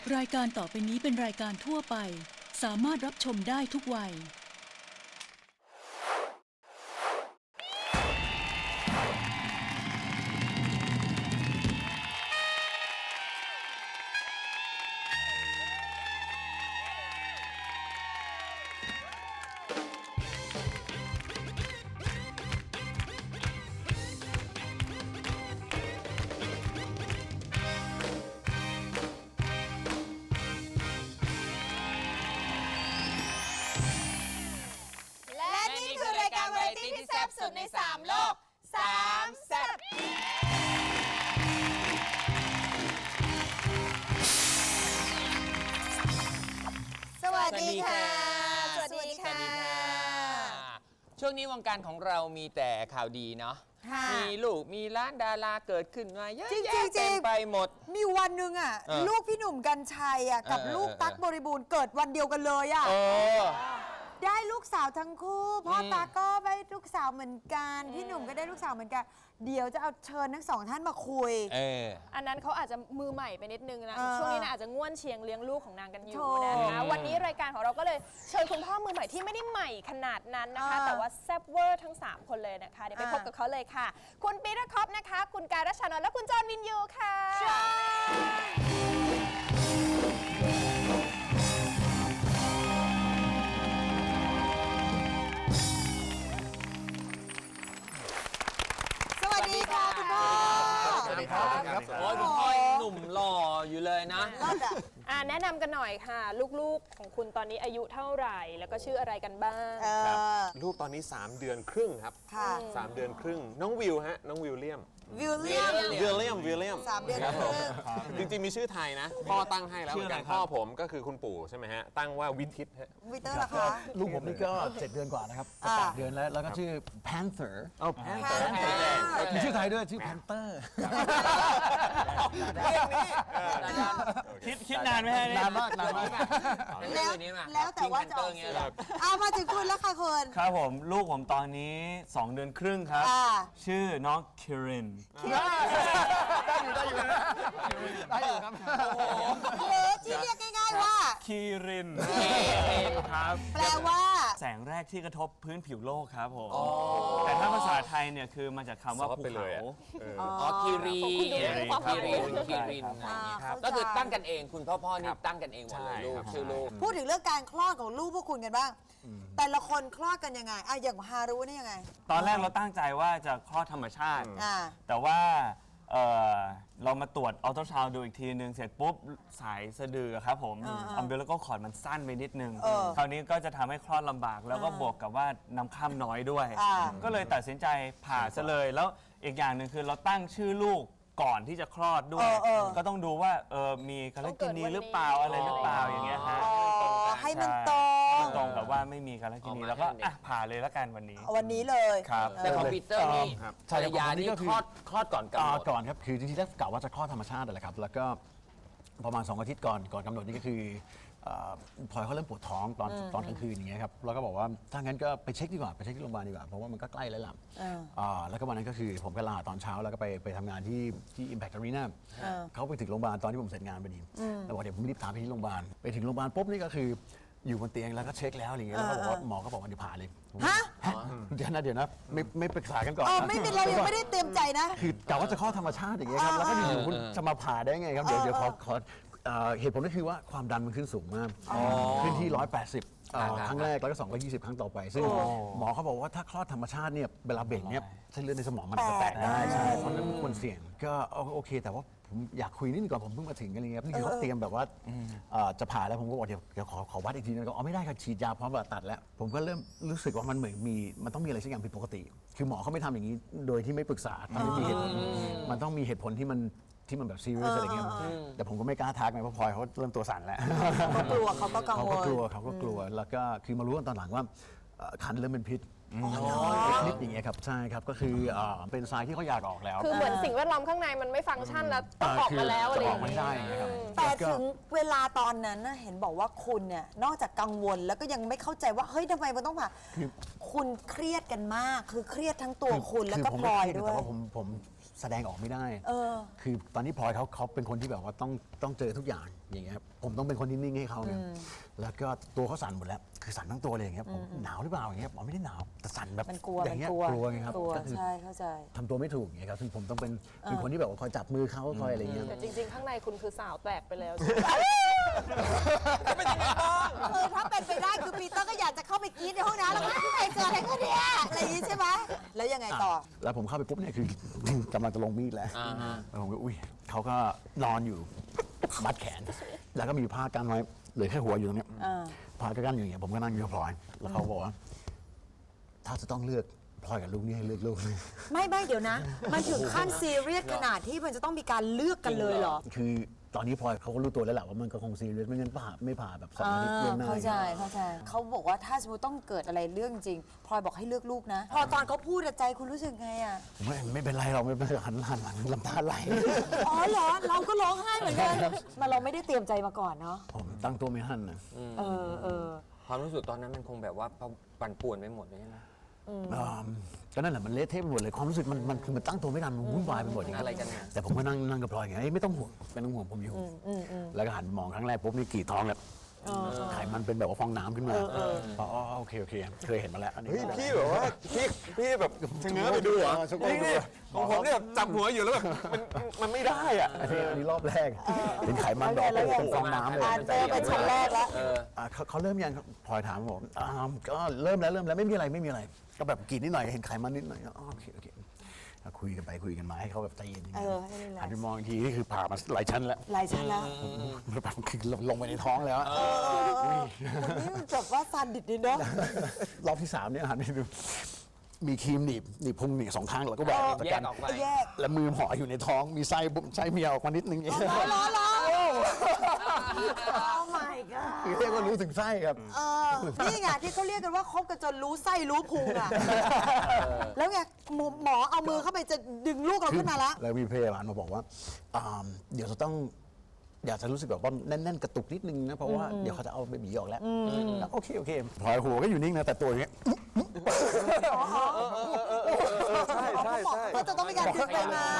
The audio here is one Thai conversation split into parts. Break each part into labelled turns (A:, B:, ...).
A: รายการต่อไปนี้เป็นรายการทั่วไปสามารถรับชมได้ทุกวัย
B: ที่แซ่บสุดใน3โลก3แซ่บสวัสดีค่ะสวัสดีค่ะ
C: ช่วงนี้วงการของเรามีแต่ข่าวดีเนาะมีลูกมีร้านดาราเกิดขึ้นมาเยอะแยะเต็มไปหมด
B: มีวันหนึ่งอ่ะลูกพี่หนุ่มกรรชัยอ่ะกับลูกตั๊กบริบูรณ์เกิดวันเดียวกันเลยอ่ะได้ลูกสาวทั้งคู่พ่อตาก็ได้ลูกสาวเหมือนกันพี่หนุ่มก็ได้ลูกสาวเหมือนกันเดี๋ยวจะเอาเชิญทั้งสองท่านมาคุย
D: อันนั้นเขาอาจจะมือใหม่ไปนิดนึงนะช่วงนี้นะอาจจะง่วนเชียงเลี้ยงลูกของนางกันอยู่นะคะวันนี้รายการของเราก็เลยเชิญคุณพ่อมือใหม่ที่ไม่ได้ใหม่ขนาดนั้นนะคะแต่ว่าแซ่บเวอร์ทั้ง3คนเลยนะคะเดี๋ยวไปพบกับเขาเลยค่ะคุณปีเตอร์คอปนะคะคุณการัชชานนท์และคุณจอห์นวินยูค่ะ
B: สวัสดีค่ะคุณพ่อ
C: สวัสดีครับโอ้ยคุณพ่อหนุ่มหล่ออยู่เลยนะ
D: แนะนำกันหน่อยค่ะลูกๆของคุณตอนนี้อายุเท่าไหร่แล้วก็ชื่ออะไรกันบ้าง
E: ลูกตอนนี้3เดือนครึ่งครับ3เดือนครึ่งน้องวิวฮะน้องวิลเลียม
B: 3 เดือนครึ่ง
E: จริงๆมีชื่อไทยนะพ่อตั้งให้แล้วเหมือนกันพ่อผมก็คือคุณปู่ใช่ไหมฮะตั้งว่าวิทิตฮะ
B: วิเตอร์ล่ะคะ
F: ลูกผมนี่ก็7 เดือนกว่านะครับ8 เดือนแล้วก็ชื่อ Panther มีชื่อไทยด้วยชื่อ Panther
C: คิดนานไหมฮะ
F: นานมาก
B: แล้วแต่ว่าจะออกเสียงเอามาถึงคุณแล้วค่ะคุณ
G: ครับผมลูกผมตอนนี้2 เดือนครึ่งครับชื่อน้องคิริน
F: ได้อยู่ครับ
B: หรือที่เรียกง่ายๆว่า
G: คิรินครับ
B: แปลว่า
G: แสงแรกที่กระทบพื้นผิวโลกครับผมแต่ถ้าภาษาไทยเนี่ยคือมาจากคำว่าภูเขา
C: คิรินก็คือตั้งกันเองคุณพ่อนี่ตั้งกันเองหมดเลยลูกชื่อลูก
B: พูดถึงเรื่องการคลอดของลูกพวกคุณกันบ้างแต่ละคนคลอดกันยังไงอย่างฮารุนี่ยังไง
G: ตอนแรกเราตั้งใจว่าจะคลอดธรรมชาติแต่ว่าเรามาตรวจอัลตราซาวด์ดูอีกทีนึงเสร็จปุ๊บสายสะดือครับผมอัมเบลิโกคอร์ดมันสั้นไปนิดนึงคราวนี้ก็จะทำให้คลอดลำบากแล้วก็บวกกับว่าน้ำค่ำน้อยด้วยก็เลยตัดสินใจผ่าซะเลยแล้วอีกอย่างหนึ่งคือเราตั้งชื่อลูกก่อนที่จะคลอดด้วยก็ต้องดูว่ามีคาลกินีหรือเปล่าอะไรหรือเปล่าอย่างเงี้ยฮะ
B: ให้มัน
G: ตรงกับว่าไม่มีคาลกินีแล้วก็ผ่าเลยละกันวันนี้
B: เลย
G: ครับ
C: แต่คอมพิวเตอร์นี่ภรรยานี่คลอดก่อนกำหนด
F: ก่อนครับคือจริงๆแล้วกะว่าจะคลอดธรรมชาติแหละครับแล้วก็ประมาณ2 อาทิตย์ก่อนกำหนดนี่ก็คือพลอยเขาเริ่มปวดท้องตอนกลางคืนอย่างเงี้ยครับแล้วก็บอกว่าถ้างั้นก็ไปเช็คดีกว่าไปเช็คที่โรงพยาบาลดีกว่าเพราะว่ามันก็ใกล้แล้วล่ะแล้วก็วันนั้นก็คือผมก็ลาตอนเช้าแล้วก็ไปทำงานที่ Impact Arena เขาไปถึงโรงพยาบาลตอนที่ผมเสร็จงานพอดีแล้วบอกเดี๋ยวผมรีบตามไปที่โรงพยาบาลไปถึงโรงพยาบาลปุ๊บนี่ก็คืออยู่บนเตียงแล้วก็เช็คแล้วอะไรเงี้ยแล้วก็บอกว่าหมอก็บอกว่าเดี๋ยวผ่าเลยเดี๋ยวนะไม่ปรึกษากันก่อน
B: ไม่เป็นเรายังไม่ได้เตรียมใจนะ
F: คือกะว่าจะคลอดธรรมชาติอย่างเงี้ยครับแล้วก็อยู่ๆคุณจะมาผ่าได้ไงครับเดี๋ยวขอเหตุผลก็คือว่าความดันมันขึ้นสูงมากขึ้นที่180ครั้งแรกแล้วก็220ครั้งต่อไปซึ่งหมอเขาบอกว่าถ้าคลอดธรรมชาติเนี่ยเวลาเบ่งเนี่ยเส้นเลือดในสมองมันจะแตกได้ใช่เพราะนั้นควรเสี่ยงก็โอเคแต่ว่าผมอยากคุยนิดนึงก่อนผมเพิ่งมาถึงกันเลยครับนี่คือเขาเตรียมแบบว่าจะผ่าแล้วผมก็บอกเดี๋ยวขอวัดอีกทีนึงก็ไม่ได้ครับฉีดยาพร้อมผ่าตัดแล้วผมก็เริ่มรู้สึกว่ามันเหมือนมันต้องมีอะไรสักอย่างผิดปกติคือหมอเขาไม่ทำอย่างนี้โดยที่ไม่ปรึกษามันไม่มีเหตุผลมันต้องมีเหตุผลที่มันแบบซีเรียสอะไรเงี้ยแต่ผมก็ไม่กล้าทักไงเพราะพลอยเขาเริ่มตัวสั่นแล้ว
B: เขากลัวเขาก็กังวล
F: เขาก็กลัวแล้วก็คือมารู้กันตอนหลังว่าคันเริ่มเป็นพิษนิดอย่างเงี้ยครับใช่ครับก็คือเป็นทรายที่เขาอยากออกแล้ว
D: คือเหมือนสิ่งแวดล้อมข้างในมันไม่ฟังก์ชันแล้วต้องออกมาแล้วอะไรอย่างเงี้ย
B: แต่ถึงเวลาตอนนั้นเห็นบอกว่าคุณเนี่ยนอกจากกังวลแล้วก็ยังไม่เข้าใจว่าเฮ้ยทำไมมันต้องผ่าคุณเครียดกันมากคือเครียดทั้งตัวคุณแล้วก็พลอยด้วย
F: แต่ว่าผมแสดงออกไม่ได้คือตอนนี้พลอยเขาเป็นคนที่แบบว่าต้องเจอทุกอย่างอย่างเงี้ยครับผมต้องเป็นคนที่นิ่งให้เขาเนี่ยแล้วก็ตัวเขาสั่นหมดแล้วคือสั่นทั้งตัวเลยอย่างเงี้ยผมหนาวหรือเปล่าอย่างเงี้ยผมไม่ได้หนาวแต่สั่นแบบ
B: มันกลัว
F: อย่างเงี้ย
B: มันกลัว
F: กลัวไงครับ
B: กลัว
F: ก็คือ
B: ใช่เข้าใจ
F: ทำตัวไม่ถูกอย่างเงี้ยครับซึ่งผมต้องเป็นคนที่แบบว่าคอยจับมือเขาคอยอะไรเงี้ย
D: แต่จริง ๆ ข้างในคุณคือสาวแตกไปแล้ว
B: ถ้าเป็นไปได้คือปีเตอร์ก็อยากจะเข้าไปกรี๊ดในห้องน้ำแล้วก็ไอ้เกิดอะไรขึ้นเนี่ยอะไรอย่างนี้ใช่ไหมแล้วยังไงต่อ
F: แล้วผมเข้าไปปุ๊บเนี่ยคือ กำลังจะลงมีดแล้วแล้วผมก็อุ้ยเขาก็นอนอยู่มัดแขน แล้วก็มีผ้ากันไว้เหลือแค่หัวอยู่ตรงเนี้ยพลอยก็กั้นอยู่อย่างเงี้ยผมก็นั่งอยู่กับพลอย แล้วเขาบอกว่า ถ้าจะต้องเลือกพลอยกับลูกนี่ให้เลือกลูก
B: ไม่เดี๋ยวนะ มันถึงขั้นซีเรียสขนาดที่มันจะต้องมีการเลือกกันเลยเหรอ
F: คือตอนนี้พลอยเขาก็รู้ตัวแล้วแหละว่ามันก็คงซีเรียสไม่งั้นไม่ผ่าแบบ2 อาทิตย์ล่วงหน้า
B: เข้าใจเขาบอกว่าถ้าสมมติต้องเกิดอะไรเรื่องจริงพลอยบอกให้เลือกลูกนะ พอตอนเขาพูดใจคุณรู้สึกไงอ่ะ
F: ผมว่าไม่เป็นไรเราไม่เป็นไรหันหลังลำตาไหล
B: อ๋อเหรอเราก็ร้องไห้เหมือนกันมาเราไม่ได้เตรียมใจมาก่อนเนาะ
F: ผมตั้งตัวไม่ทันนะ
C: ความรู้สึกตอนนั้นมันคงแบบว่าปั่นป่วนไปหมดเลยใช่ไหม
F: ก็นั่นแหละมันเละเทะไปหมดเลยความรู้สึกมันคือมันตั้งตัวไม่ทันมันวุ่นวายไปหมดอย่างเงี้
C: อะไรกันเนี่ย
F: แต่ผมก็นั่งกับพลอยไงไม่ต้องห่วงผมอยู่แล้วก็หันมองครั้งแรกปุ๊บนี่กรีดท้องแบบไขมันเป็นแบบว่าฟองน้ำขึ้นมาอ๋อโอเคเคยเห็นมาแล้วอันนี้
E: เฮ้ยพี่แบบว่าพี่แบบชะเง้อไปดูเหรอนี่ของผมเนี่ยจับหัวอยู่แล้วแบบมันไม่ได้อ่ะ
F: อันนี้รอบแรกเป็นไขมันแบบเป็นฟองน้ำเลย
B: เจอเป็นชั้นแรกแล้ว
F: เขาเริ่มยังพลอยถามผมก็เริ่มแล้วไม่มีอะไรก็แบบกรีดนิดหน่อยเห็นไขมันนิดหน่อยโอเคคุยกันไปคุยกันมาให้เขาแบบใจเย็นอย่างเงี้ยหันไปมองอีกทีนี่คือผ่ามาหลายชั้นแล้ว แบบคือลงไปในท้องแล้ว
B: นี่มันจบว่าซาดิสดีเนาะ
F: รอบที่3เนี่ยหันไปดูมีครีมหนีบพุงหนีบ2 ครั้งแล้วก็แหวกออกจาก
C: แย
F: กั
C: ก
F: น
C: ออกไป
B: แยก
F: แล้วมือห่ออยู่ในท้องมีไส้เมียออกมานิดนึง
B: ล้อ Oh my god
F: คือเรียกว่ารู้ถึงไส้ครับ
B: นี่ไงที่เขาเรียกกันว่าคบกันจนรู้ไส้รู้พุงอ่ะ แล้วไงหมอเอามือเข้าไปจะดึงลูกเราขึ้นมาแล้ว
F: แล้วมีพยาบาลมาบอกว่าเดี๋ยวจะต้องอยากจะรู้สึกแบบว่าแน่นๆกระตุกนิดนึงนะเพราะว่าเดี๋ยวเขาจะเอาเบบีออกแล้วโอเคพลอยหัวก็อยู่นิ่งนะแต่ตัวอย่างเงี้ย
E: ใช่
B: ก็จะต้องมีการดึงไปมาง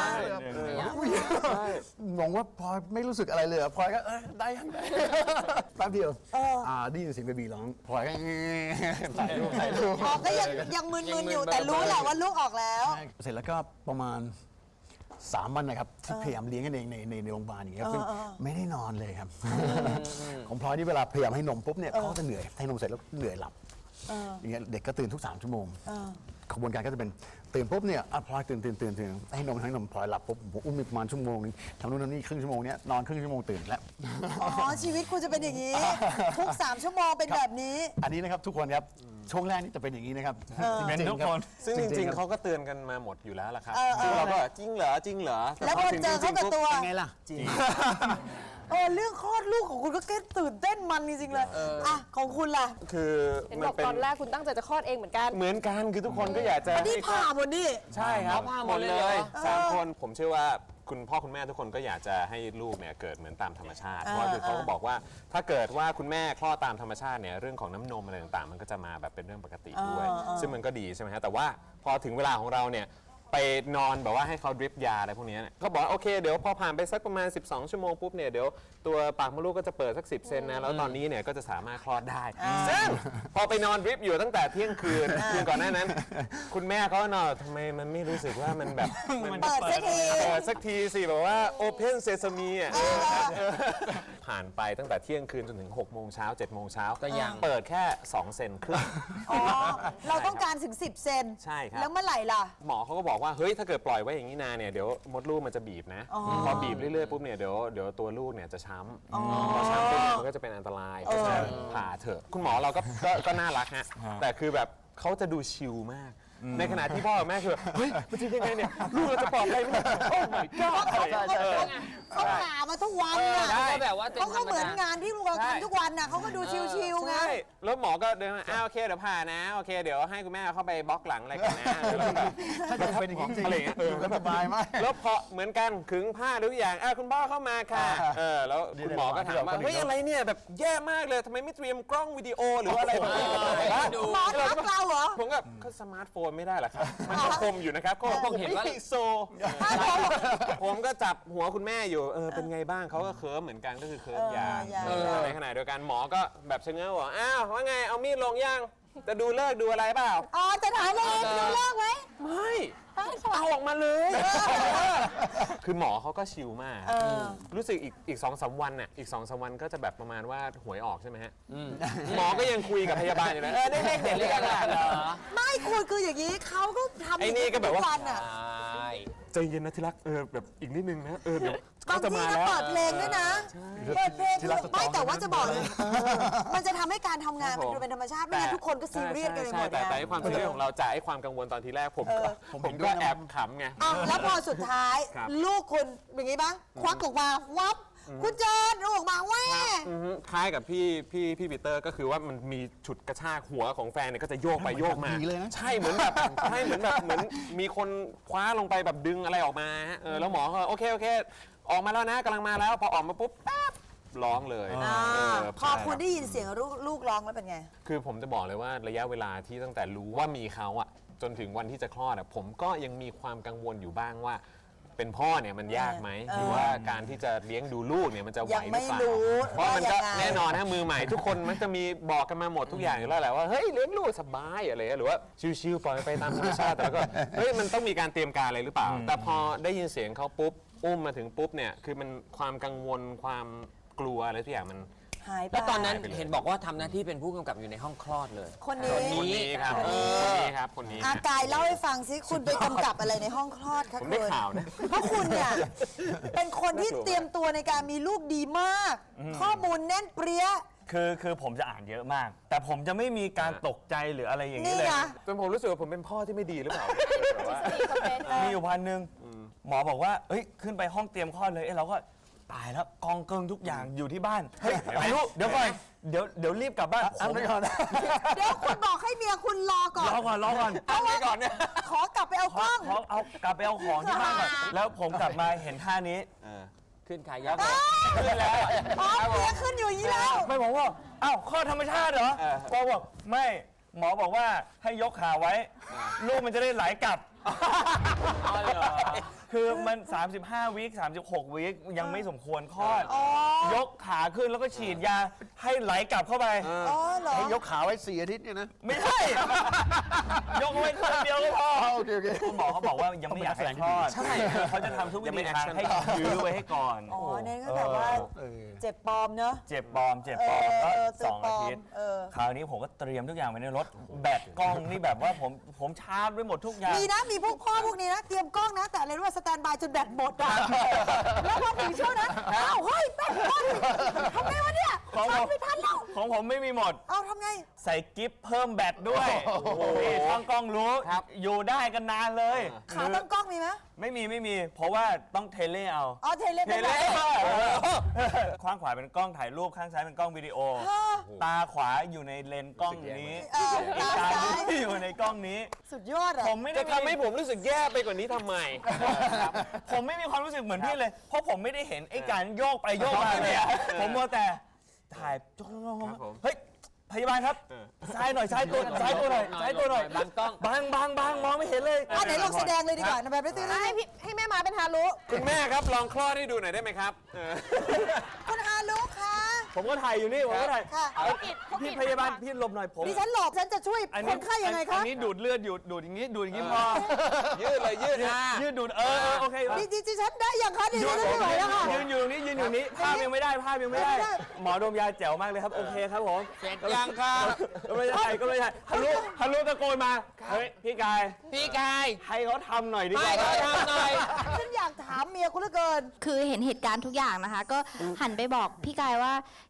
F: งว่าพลอยไม่รู้สึกอะไรเลยพลอยก็ได้ยังไงแป๊บเดียวได้ยินเสียงเบบีร้องพลอยก็ถ่ายรูป
B: ก็ยังมึนๆอยู่แต่รู้แหละว่าลูกออกแล้ว
F: เสร็จแล้วก็ประมาณ3 วันนะครับที่พยายามเลี้ยงกันเองในโรงพยาบาลอย่างเงี้ยซึ่งไม่ได้นอนเลยครับของพลอยนี่เวลาพยายามให้นมปุ๊บเนี่ยเขาจะเหนื่อยให้นมเสร็จแล้วเหนื่อยหลับอย่างเงี้ยเด็กก็ตื่นทุก3 ชั่วโมงกระบวนการก็จะเป็นตื่นปุ๊บเนี่ยพลอยตื่นให้นมพลอยหลับปุ๊บผมอุ้มประมาณ1 ชั่วโมงทำนู่นทำนี่ครึ่งชั่วโมงเนี้ยนอนครึ่งชั่วโมงตื่นแล้ว
B: อ๋อชีวิตคุณจะเป็นอย่างนี้ทุก3 ชั่วโมงเป็นแบบนี้
F: อันนี้นะครับทุกคนครับช่วงแรกนี่จะเป็นอย่างนี้นะครับ
G: เป็นทุกคน
E: ซึ่งจริงๆเขาก็เตือนกันมาหมดอยู่แล้วล่ะครับซึ่งเราก็จริงเหรอ
B: แล้วพอเจอเขากับตัว
F: ไงล่ะจริง
B: เรื่องคลอดลูกของคุณก็แค่ตื่นเต้นมันจริงๆเลยอ่ะของคุณล่ะ
E: คือ
D: เห็น
E: มั
D: บ
E: น
D: อก
E: เป็น
D: ตอนแรกคุณตั้งใจจะคลอดเองเหมือนกัน
E: เหมือนกันคือทุกคนก็อยากจะ
B: นี่ผ่าหมดนี่
E: ใช่ครับ
C: ผ่าหมดเลยเหรอ
E: 3 คนผมเชื่อว่าคุณพ่อคุณแม่ทุกคนก็อยากจะให้ลูกเนี่ยเกิดเหมือนตามธรรมชาติเพราะว่าคือเขาก็บอกว่าถ้าเกิดว่าคุณแม่คลอดตามธรรมชาติเนี่ยเรื่องของน้ำนมอะไรต่างๆ มันก็จะมาแบบเป็นเรื่องปกติด้วย ซึ่งมันก็ดีใช่ไหมฮะแต่ว่าพอถึงเวลาของเราเนี่ยไปนอนแบบว่าให้เขาดริปยาอะไรพวกนี้เนี่ยเขาบอกว่าโอเคเดี๋ยวพอผ่านไปสักประมาณ12 ชั่วโมงปุ๊บเนี่ยเดี๋ยวตัวปากมดลูกก็จะเปิดสัก10 เซนนะแล้วตอนนี้เนี่ยก็จะสามารถคลอดได้ซึ่งพอไปนอนดริปอยู่ตั้งแต่เที่ยงคืนก่อนหน้านั้น คุณแม่เขานอนทำไมมันไม่รู้สึกว่ามันแบบ
B: เปิดสักที
E: สักทีสิแบบว่า Open Sesame อ่ะผ่านไปตั้งแต่เที่ยงคืนจนถึง6 โมงเช้า7 โมงเช้าก็ยังเปิดแค่ 2 เซนครึ่ง
B: อ๋อเราต้องการถึง10 เซน
E: ใช่ครับ
B: แล้วเมื่อไหร่ล่ะ
E: หมอเขาก็บอกว่าเฮ้ยถ้าเกิดปล่อยไว้อย่างนี้นานเนี่ยเดี๋ยวมดลูกมันจะบีบนะพอบีบเรื่อยๆปุ๊บเนี่ยเดี๋ยวตัวลูกเนี่ยจะช้ำพอช้ำปุ๊บเนี่ยมันก็จะเป็นอันตรายเพราะฉะนั้นผ่าเถอะคุณหมอเราก็น่ารักฮะแต่คือแบบเขาจะดูชิลมาก ในขณะที่พ่อกับแม่คือเฮ้ยมันจะยังไงเนี่ยลูกเราจะปลอดภัยไหมโอ้ my god
B: เขาหามาทุกวันน่ะ
E: ได้
C: แบบว่าเป็น
B: เขา
C: ธร
B: ก็
C: รม
B: เหมือน
C: ดาง
B: านที่เราทำทุกวันน่ะเขาก็ดูชิวๆไง
E: ใช่แล้วหมอก็เดินมาโอเคเดี๋ยวผ่านะโอเคเดี๋ยวให้คุณแม่เข้าไปบล็อกหลังอะไรกันนะแล้วก็แบบ
F: ถ้าจะเป็นอย่างนี้จริง
E: อะไรอย่างเงี้ย
F: แล้วสบายมาก
E: แล้วพอเหมือนกันขึงผ้าทุกอย่างคุณพ่อเข้ามาค่ะแล้วคุณหมอก็ถามว่าเฮ้ยอะไรเนี่ยแบบแย่มากเลยทำไมไม่เตรียมกล้องวิดีโอหรืออะไรแบบนี้
C: ดู
B: หมอทักเราเหรอ
E: ผมกับก็สมาร์ทโฟนไม่ได้เหรอครับมันก็คมอยู่นะครับก็ผม
C: เห็น
E: ไม่
C: ว่า
E: ไฮโซผมก็จับหัวคุณแม่อยู่เป็นไงบ้างเขาก็เคิร์ฟเหมือนกันก็คือเคิร์ฟยางในขณะเดียวกันหมอก็แบบชะเง้อบอกอ้าวว่าไงเอามีดลงย่างจะดูเลิกดูอะไรเปล่า
B: อ๋อจะถามว่าดูเลิกไหม
E: ไม่เอาออกมาเลย คือหมอเขาก็ชิลมาก รู้สึกอีก2-3 วันน่ะอีก2-3 วันก็จะแบบประมาณว่าหวยออกใช่ไหมฮะหมอก็ยังคุยกับพยาบาลอยู่นะได้เลขเด็ดเลยกันเหรอ
B: ไม่คุณคืออย่างนี้เขาก็ทำ
E: ไอ้นี่ก็แบบว่า
B: ทุวันอ่ะ
C: ใช่
E: ใจเย็นนะที่รักแบบอีกนิดนึงนะเดี๋ยว
B: บาง
E: เขาจะ
B: ที
E: มา
B: ก็
E: แล้ว
B: เปิดเพลงด้วยนะเปิดเพลงไม่แต่ว่าจะบอกเลยมันจะทำให้การทำงานมันดูเป็นธรรมชาติไม่งั้นทุกคนก็ซีเรียสกันไปหมด
E: แต่
B: นะ
E: ไอ้ความซีเรียสของเราจากไอ้ความกังวลตอนทีแรกผมก็แอบขำไง
B: อ่ะแล้วพอสุดท้าย
E: ครับ
B: ลูกคุณเป็นไงบ้างควักออกมาวับคุณเจนลูกออกมาแว่
E: คล้ายกับพี่ปีเตอร์ก็คือว่ามันมีฉุดกระชากหัวของแฟนเนี่ยก็จะโยกไปโยกมา
F: ผีเลยนะ
E: ใช่เหมือนแบบใช่เหมือนมีคนคว้าลงไปแบบดึงอะไรออกมาฮะแล้วหมอก็โอเคออกมาแล้วนะกำลังมาแล้วพอออกมาปุ๊บแป๊บร้องเลย
B: พอคุณได้ยินเสียงลูกร้องแล้วเป็นไง
E: คือผมจะบอกเลยว่าระยะเวลาที่ตั้งแต่รู้ว่ามีเขาอะจนถึงวันที่จะคลอดอะผมก็ยังมีความกังวลอยู่บ้างว่า เป็นพ่อเนี่ยมันยากไหมหรือว่าการที่จะเลี้ยงดูลูกเนี่ยมันจะไหวหรือเปล่า
B: ยังไม่รู้
E: เพราะมันก็
B: ว่ายังไง
E: แน่นอนนะมือใหม่ทุกคนมันจะมีบอกกันมาหมดทุกอย่างอยู่แล้วแหละว่าเฮ้ยเลี้ยงลูกสบายอะไรหรือว่าชิวๆปล่อยไปตามธรรมชาติแต่แล้วก็เฮ้ยมันต้องมีการเตรียมการอะไรหรือเปล่า แต่พอได้ยินเสียงเขาปุ๊บอุ้มมาถึงปุ๊บเนี่ยคือมันความกังวลความกลัวอะไรทุกอย่างมัน
B: หายไป
C: แล้วตอนนั้นเห็นบอกว่าทำหน้าที่เป็นผู้กำกับอยู่ในห้องคลอดเลย
B: คนนี้
E: คนนี้ครับคนนี้ครับคนนี้
B: อากายเล่าให้ฟังซิคุณไปกำกับอะไรในห้องคลอดคะ
E: ผม
B: คุ
E: ได้
B: ณ
E: ข่าวนะ
B: เพราะคุณเนี่ยเป็นคนที่เตรียมตัวในการมีลูกดีมาก ข้อมูลแน่นเปรี้ย
G: คือผมจะอ่านเยอะมาก แต่ผมจะไม่มีการตกใจหรืออะไรอย่างนี้
B: นี่
G: เลย
B: ไง
E: จนผมรู้สึกว่าผมเป็นพ่อที่ไม่ดีหรือเปล่าแบบว่า
G: มีอยู่พันหนึ่งหมอบอกว่าเอ้ยขึ้นไปห้องเตรียมคลอดเลยเราก็ตายแล้วกองเกิงทุกอย่างอยู่ที่บ้านเฮ้ยไปลูกเดี๋ยวก่อนเดี๋ยวรีบกลับบ้าน
F: อันไปก่อน
B: เดี๋ยวคุณบอกให้เมียคุณรอก่อน
G: รอก่อน
E: อันนี้ก่อนเนี่ย
B: ขอกลับไปเอากล้อง
G: ขอเอากลับไปเอาของที่บ้านก่อนแล้วผมกลับมาเห็นท่านี้
C: ขึ้นขายับ
G: ขึ้นแล้ว
B: อ๋อเมียขึ้นอยู่อย่างนี้แล้ว
G: ไม่บอกว่าอ้าวข้อธรรมชาติเหรอหมอบอกไม่หมอบอกว่าให้ยกขาไว้ ลูกมันจะได้ไหลกลับ คือมัน 35 วิค36 วิคยังไม่สมควรคลอด ยกขาขึ้นแล้วก็ฉีดยาให้ไหลกลับเข้าไป
B: อ๋อเหรอ
F: ให้ยกขาไว้4 อาทิตย์เนี่ยนะ
G: ไม่ใช่ ยกไว้ข้างเดียวก็พอ
F: โอเค
G: คุณหมอเขาบอกว่ายังไม่อยากให้คลอด
E: ใช่
G: เขาจะทำทุกวิ
E: ยังไม่
G: ธีทาง
E: action
G: ให้ยื้อไว้ให้ก่อน
B: อ๋อเน้นก็แบบว่าเจ็บปลอมเนอะ
G: เจ็บปลอมก็
B: เจ็บ
G: 2
B: ปล
G: อา
B: อม
G: ทิตย์
B: เออ
G: คราวนี้ผมก็เตรียมทุกอย่างไว้ในรถ แบตกล้องนี่แบบว่าผมชาร์จไว้หมดทุกอย่าง
B: มีนะมีพวกพ่อพวกนี้นะ เตรียมกล้องนะ แต่อะไรรู้ว่าสแตนบายจนแบตหมดอ่ะ แล้วพอถึงช่วงนั้นอ้าวเฮ้ยแบตหมดทำไงวะเนี่ย
G: ของผม
B: ชาร์จไม่ทันแล้ว
G: ของผมไม่มีหมด
B: เอาทำไง
G: ใส่กิฟต์เพิ่มแบตด้วยนี่ช่างกล้องรู้ อยู่ได้กันนานเลย
B: ขาตั้งกล้องมีไหม
G: ไม่มี เพราะว่าต้องเทเลเอา
B: อ๋อเทเล
G: เทเลข้างขวาเป็นกล้องถ่ายรูปข้างซ้ายเป็นกล้องวิดีโอ ตาขวาอยู่ในเลนส์กล้องนี้
B: ตา
G: ตา
B: ซ้าย
G: อยู่ในกล้องนี้
B: สุดยอดอ่ะ
G: ผมไม่ได้
E: จะทำให้ผมรู้สึกแย่ไปกว่านี้ทำไม
G: ผมไม่มีความรู้สึกเหมือนพี่เลย เพราะผมไม่ได้เห็นไอ้การโยกไปโยกมาเลยอะผมมัวแต่ถ่ายจ้อง
E: ครับผม
G: เฮ้ยพยาบาลครับซ้ายหน่อยซ้ายตัวหน่อยซ้ายตัวหน่อย
C: บังกล้อง
G: บางมองไม่เห็นเลย
B: อ่ะไหนลองแสดงเลยดีกว่าแบบไม่ตื่นเลย
D: ให้แม่มาเป็นฮารุ
E: คุณแม่ครับลองคลอดให้ดูหน่อยได้ไหมครับ
B: คุณฮารุคะ
G: ผมก็ถ่ายอยู่นี่ผมก็ถ่าย
B: ค่ะ
G: พี่พยาบาลพี่หลบหน่อยผม
B: ดิฉันหลบฉันจะช่วยคนไข้ยังไง
G: อั
B: คะ
G: นนี้ดูดเลือดอยู่ดูดอย่างนี้พอ
E: ยืดเลยยืดนะ
G: ยืดดูดโอเค
B: ดิฉันได้ยังคะดิฉันไม่ไหวแล้วค่ะ
G: ยืนอยู่ตรงนี้ภาพยังไม่ได้หมอดมยาแจ๋วมากเลยครับโอเคครับผม
C: เสร็จยังครับ
G: ก็ไม่ได้ฮัลโหลตะโกนมาเฮ้ยพี่กาย
C: พี่กาย
G: ให้เขาทำหน่อยดีก
C: ให้
G: ว่า
C: เขาทำหน่อย
B: ฉันอยากถามเมียคุณเหลือเกิน
H: คือเห็นเหตุการณ์ทุกอย่างนะคะ ก็หันไปบอกพี่กายว่า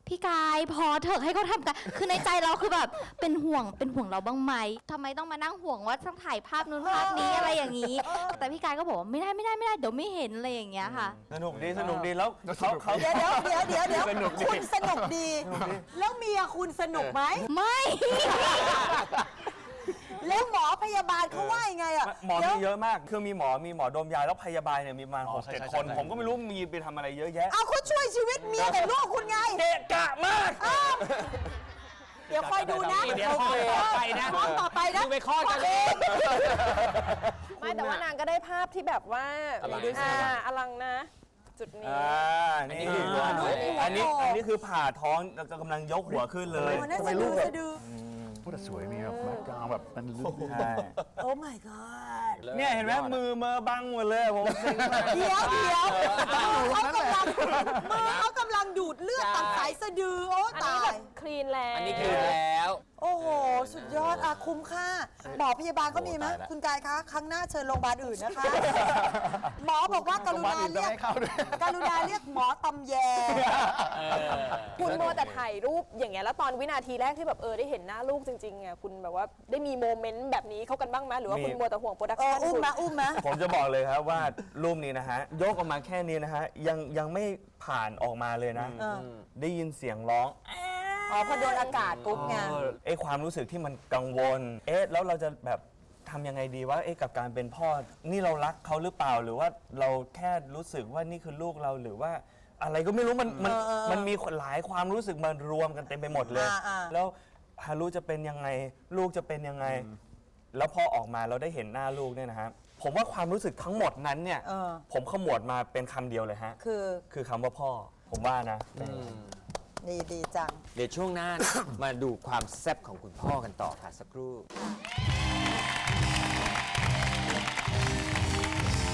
H: พี่กายพอเถอะให้เขาทำกันคือในใจเราคือแบบเป็นห่วงเราบ้างไหมทำไมต้องมานั่งห่วงว่าต้องถ่ายภาพนู้นภาพนี้อะไรอย่างนี้ แต่พี่กายก็บอกว่าไม่ได้เดี๋ยวไม่เห็นอะไรอย่างเงี้ยค่ะ
G: สนุกดีแล้วเขา
B: เดี๋ยว
G: สนุกดี
B: คุณสนุกดี แล้วเมียคุณสนุกไหม
H: ไม่
B: แล้วหมอพยาบาลเขาว่ายังไงอ่ะ
G: หมอมีเยอะมากคือมีหมอดมยาแล้วพยาบาลเนี่ยมีประมาณ
F: ใช่
G: 6-7
F: ใช่
G: คน
F: ใช่
G: ผมก็ไม่รู้มีไปทำอะไรเยอะแยะ
B: เอาเขาช่วยชีวิตเมียกับลูกคุณไง
G: เกะกะมาก
B: เดี๋ยวคอยดูนะ
C: เดี๋ยวคอยต่อไปนะ
B: คอยต่อไปนะ
C: มึงไปคลอดกันเลย
D: ไม่แต่ว่านางก็ได้ภาพที่แบบว่า
C: อลัง
D: อลังนะ จุดนี้
G: นี่
C: คือหัวหน่อย
G: อันนี้คือผ่าท้องแล้วก็กำลังยกหัวขึ้นเลย
B: โอ้น่า
F: ทำไม
B: จะ
F: ลู
B: ดู
F: กแบบ
B: สะดือ
F: พูดแต่สวยมีแบบแบ็คกราวด์แบบเป็นลึก
G: ใช่
B: โอ้ my god
G: เนี่ยเห็นไหมมือบังหมดเลยผมเซ็งมาก
B: เดี๋ยวมือเขากำลังดูดเลือดตัดสายสะดือ โอ้
D: อัน
B: ตา
D: นี้แบ
B: ย
D: บคลีนแล้ว
C: อันนี้คือแล้ว
B: โอ้โห สุดยอดอะคุ้มค่า หมอพยาบาลก็มีไหม
E: โอ้ตายละ
B: คุณกายคะ ครั้งหน้าเชิญโรงพยาบาลอื่นนะคะ หมอบอกว่ากรุณาเรียก
F: ให้เข้าด้วย
B: กรุณาเรียกหมอตำแย
D: คุณโมวแต่ถ่ายรูปอย่างเงี้ยแล้วตอนวินาทีแรกที่แบบได้เห็นหน้าลูกจริงๆอ่ะคุณแบบว่าได้มีโมเมนต์แบบนี้เข้ากันบ้างไหมหรือว่าคุณมัวแต่ห่วงโปรดักชั่น
B: อุ้ม
D: คุณ
B: มาอุ้มมา
G: ผมจะบอกเลยครับว่ารูปนี้นะฮะยกออกมาแค่นี้นะฮะยังไม่ผ่านออกมาเลยนะ ได้ยินเสียงร้อง
B: อ๋อ พอโดนอากาศปุ๊บไง
G: ความรู้สึกที่มันกังวล แล้วเราจะแบบทำยังไงดีว่ากับการเป็นพ่อ นี่เรารักเขาหรือเปล่า หรือว่าเราแค่รู้สึกว่านี่คือลูกเราหรือว่าอะไรก็ไม่รู้มันมีหลายความรู้สึกมารวมกันเต็มไปหมดเลย แล้วฮารุจะเป็นยังไง ลูกจะเป็นยังไง แล้วพอออกมาเราได้เห็นหน้าลูกเนี่ยนะฮะผมว่าความรู้สึกทั้งหมดนั้นเนี่ย ผมขมวดมาเป็นคำเดียวเลยฮะ คือคำว่าพ่อ ผมว่านะ
B: ดีจัง
C: เดี๋ยวช่วงหน้า มาดูความแซ่บของคุณพ่อกันต่อค่ะสักครู่